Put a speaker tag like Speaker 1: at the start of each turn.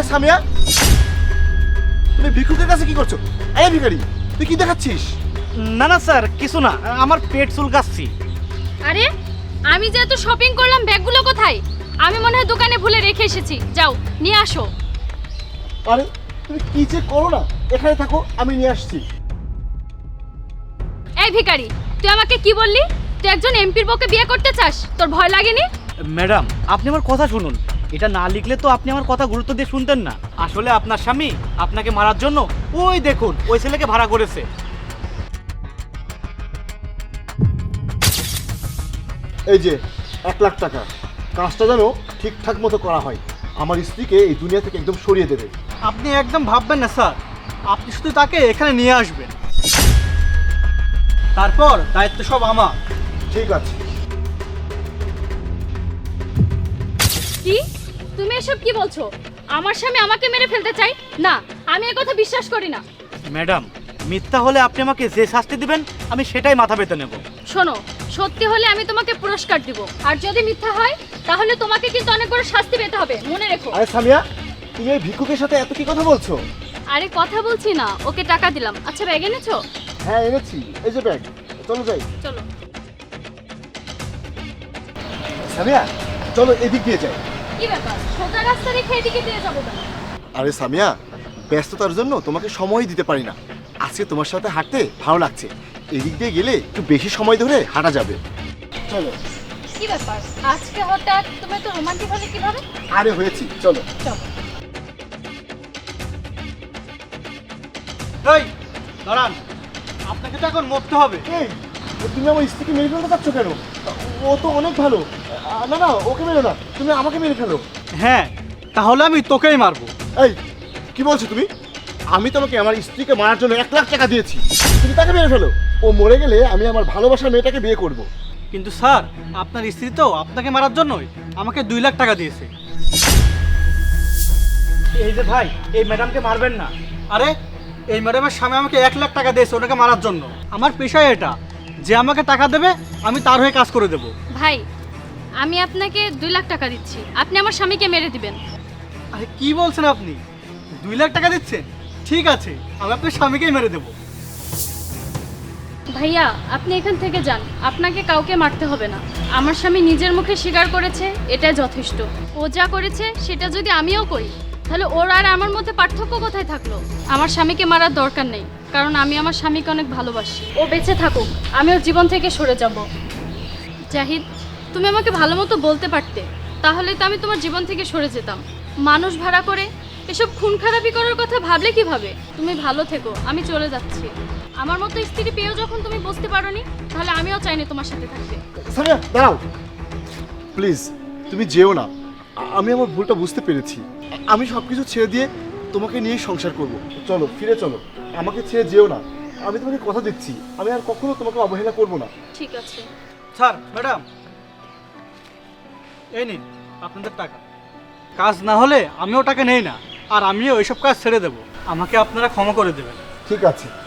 Speaker 1: সামিয়া, তুমি ভিক্ষুকের কাছে কি করছো? এই ভিখারি, তুই কি দেখাচ্ছিস?
Speaker 2: না না স্যার, কিছু না, আমার পেট চুলকাচ্ছি।
Speaker 3: আরে আমি যে এত শপিং করলাম, ব্যাগগুলো কোথায়? আমি মনে হয় দোকানে ভুলে রেখে এসেছি। যাও নিয়ে আসো।
Speaker 1: আরে তুমি কি যে করো না, এখানে থাকো, আমি নিয়ে আসছি।
Speaker 3: এই ভিখারি, তুই আমাকে কি বললি? তুই একজন এমপির বউকে বিয়ে করতে চাস? তোর ভয় লাগেনি?
Speaker 2: ম্যাডাম, আপনি আমার কথা শুনুন। এটা না লিখলে তো আপনি আমার কথা গুরুত্ব দিয়ে শুনতেন না। আসলে আপনার স্বামী আপনাকে মারার জন্য ওই দেখুন ওই ছেলেকে ভাড়া করেছে।
Speaker 1: এই যে 1,00,000 টাকা, কাজটা যেন ঠিকঠাক মতো করা হয়। আমার স্ত্রীকে এই দুনিয়া থেকে একদম সরিয়ে দেবে।
Speaker 2: আপনি একদম ভাববেন না স্যার, আপনি শুধু তাকে এখানে নিয়ে আসবেন, তারপর দায়িত্ব সব আমার।
Speaker 1: ঠিক আছে।
Speaker 3: কি? তুমি এসব কি বলছো? আমার স্বামী আমাকে মেরে ফেলতে চাই? না, আমি এ কথা বিশ্বাস করি না।
Speaker 2: ম্যাডাম, মিথ্যা হলে আপনি আমাকে যে শাস্তি দিবেন আমি সেটাই মাথা পেতে নেব।
Speaker 3: শোনো, সত্যি হলে আমি তোমাকে পুরস্কার দিব, আর যদি মিথ্যা হয় তাহলে তোমাকে কিন্তু অনেক বড় শাস্তি পেতে হবে, মনে রেখো।
Speaker 1: আরে সামিয়া, তুমি এই ভিক্ষুকের সাথে এত কি কথা বলছো?
Speaker 3: আরে কথা বলছি না, ওকে টাকা দিলাম। আচ্ছা ব্যাগ এনেছো?
Speaker 1: হ্যাঁ এনেছি, এই যে ব্যাগ। চলো যাই।
Speaker 3: চলো।
Speaker 1: সামিয়া, চলো এদিক দিয়ে যাই।
Speaker 3: কি ব্যাপার, সোজা রাস্তা রেখে এদিকে দিয়ে যাবো কেন?
Speaker 1: আরে সামিয়া, ব্যস্ততার জন্য তোমাকে সময় দিতে পারি না। আজকে তোমার সাথে হাঁটতে ভালো লাগছে, এদিক দিয়ে গেলে একটু বেশি সময় ধরে হাঁটা যাবে। চলো।
Speaker 3: কি ব্যাপার, আজকে হঠাৎ তুমি তো রোমান্টিক হলে কিভাবে?
Speaker 1: আরে হয়েছি, চলো।
Speaker 3: চলো।
Speaker 2: এই দাঁড়ান, আপনাকে তো এখন মরতে হবে।
Speaker 1: এই, তুমি আমার স্ত্রীকে মেরে ফেলতে চাচ্ছ কেন? ও তো অনেক ভালো। না না, ওকে মেরো না, তুমি আমাকে মেরে ফেলো।
Speaker 2: হ্যাঁ, তাহলে আমি তোকেই মারবো।
Speaker 1: এই, কি বলছো তুমি? আমি তোমাকে আমার স্ত্রীকে মারার জন্য 1,00,000 টাকা দিয়েছি, তুমি তাকে মেরে ফেলো। ও মরে গেলে আমি আমার ভালোবাসার মেয়েটাকে বিয়ে করব।
Speaker 2: কিন্তু স্যার, আপনার স্ত্রী তো আপনাকে মারার জন্যই আমাকে 2 লাখ টাকা দিয়েছে। এই যে ভাই, এই ম্যাডামকে মারবেন না। আরে এই ম্যাডামের স্বামী আমাকে 1 লাখ টাকা দিয়েছে ওনাকে মারার জন্য। আমার পেশায় এটা, যে আমাকে টাকা দেবে আমি তার হয়ে কাজ করে দেব।
Speaker 3: ভাই, আমি আপনাকে 2 লাখ টাকা দিচ্ছি, আপনি আমার স্বামীকে মেরে দিবেন।
Speaker 2: আরে কি বলছেন আপনি? 2 লাখ টাকা দিচ্ছেন? ঠিক আছে, আমি আপনার স্বামীকেই মেরে দেবো।
Speaker 3: ভাইয়া, আপনি এখান থেকে যান, আপনাকে কাউকে মারতে হবে না। আমার স্বামী নিজের মুখে স্বীকার করেছে, এটাই যথেষ্ট। ও যা করেছে সেটা যদি আমিও করি, তাহলে ওর আর আমার মধ্যে পার্থক্য কোথায় থাকলো? আমার স্বামীকে মারার দরকার নেই, কারণ আমি আমার স্বামীকে অনেক ভালোবাসি। ও বেঁচে থাকুক, আমি ওর জীবন থেকে সরে যাব। জাহিদ, তুমি আমাকে ভালো মতো বলতে পারতে, তাহলে তো আমি তোমার জীবন থেকে সরে যেতাম। মানুষ ভাড়া করে এসব খুন খারাপি করার কথা ভাবলে কিভাবে? তুমি ভালো থেকো, আমি চলে যাচ্ছি। আমার মতো স্ত্রী পেয়েও যখন তুমি বুঝতে পারোনি, তাহলে আমিও চাইনি তোমার সাথে থাকতে।
Speaker 1: সামিয়া দাঁড়াও, প্লিজ তুমি যেও না। আমি আমার ভুলটা বুঝতে পেরেছি। আমি সব কিছু ছেড়ে দিয়ে তোমাকে নিয়েই সংসার করব। চলো, ফিরে চলো, আমাকে ছেড়ে যেও না। আমি তোমাকে কথা দিচ্ছি, আমি আর কখনো তোমাকে অবহেলা করব না।
Speaker 3: ঠিক আছে।
Speaker 2: স্যার, ম্যাডাম, এই নিন আপনাদের টাকা। কাজ না হলে আমিও টাকা নেই না, আর আমিও এইসব কাজ ছেড়ে দেবো। আমাকে আপনারা ক্ষমা করে দেবেন।
Speaker 1: ঠিক আছে।